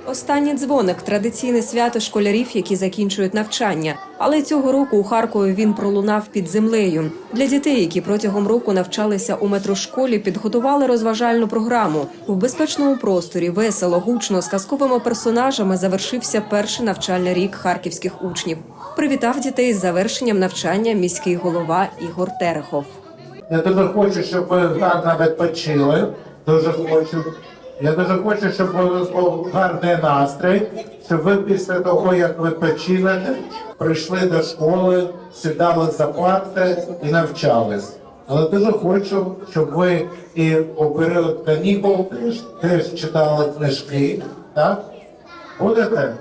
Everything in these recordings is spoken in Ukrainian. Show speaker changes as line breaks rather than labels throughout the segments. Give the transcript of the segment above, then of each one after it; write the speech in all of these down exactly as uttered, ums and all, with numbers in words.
Останній дзвоник – традиційне свято школярів, які закінчують навчання. Але цього року у Харкові він пролунав під землею. Для дітей, які протягом року навчалися у метрошколі, підготували розважальну програму. В безпечному просторі весело, гучно, з казковими персонажами завершився перший навчальний рік харківських учнів. Привітав дітей з завершенням навчання міський голова Ігор Терехов.
Я дуже хочу, щоб ви гарно відпочили. Дуже хочу. Я дуже хочу, щоб був гарний настрій, щоб ви після того, як відпочинете, прийшли до школи, сідали за парти і навчались. Але дуже хочу, щоб ви і у період канікул теж, теж читали книжки, так? Будете?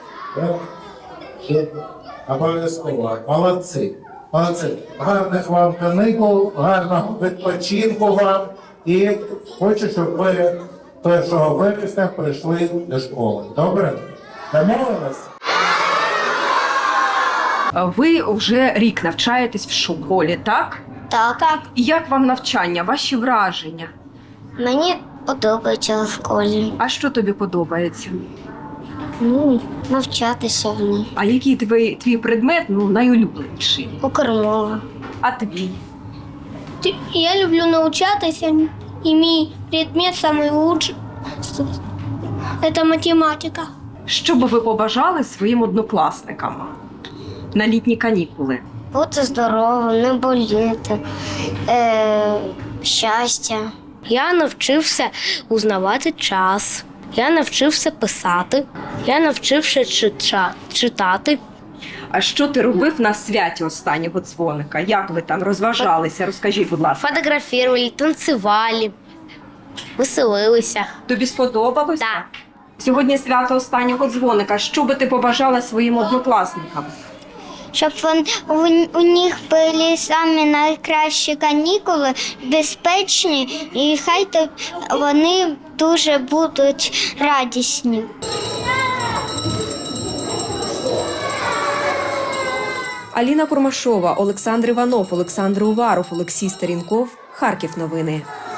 Обов'язково. Молодці. Молодці. Гарних вам канікул, гарного відпочинку вам. І хочу, щоб ви першого вересня прийшли до школи. Добре? Домовились?
Ви вже рік навчаєтесь в школі, так?
Так. так.
І як вам навчання, ваші враження?
Мені подобається в школі.
А що тобі подобається?
Ну, навчатися в ній.
А який твій, твій предмет ну, найулюбленіший?
Укрмова.
А твій?
Я люблю навчатися, і мій предмет найкращий – це математика.
Що би ви побажали своїм однокласникам на літні канікули?
Бути здоровим, не боліти, е, щастя.
Я навчився узнавати час, я навчився писати, я навчився чита- читати.
А що ти робив на святі останнього дзвоника? Як ви там розважалися? Розкажіть, будь ласка.
Фотографували, танцювали, веселилися.
Тобі сподобалось?
Так.
Сьогодні свято останнього дзвоника. Що би ти побажала своїм однокласникам?
Щоб вон, у, у них були самі найкращі канікули, безпечні, і хай то вони дуже будуть радісні.
Аліна Курмашова, Олександр Іванов, Олександр Уваров, Олексій Старінков. Харків новини.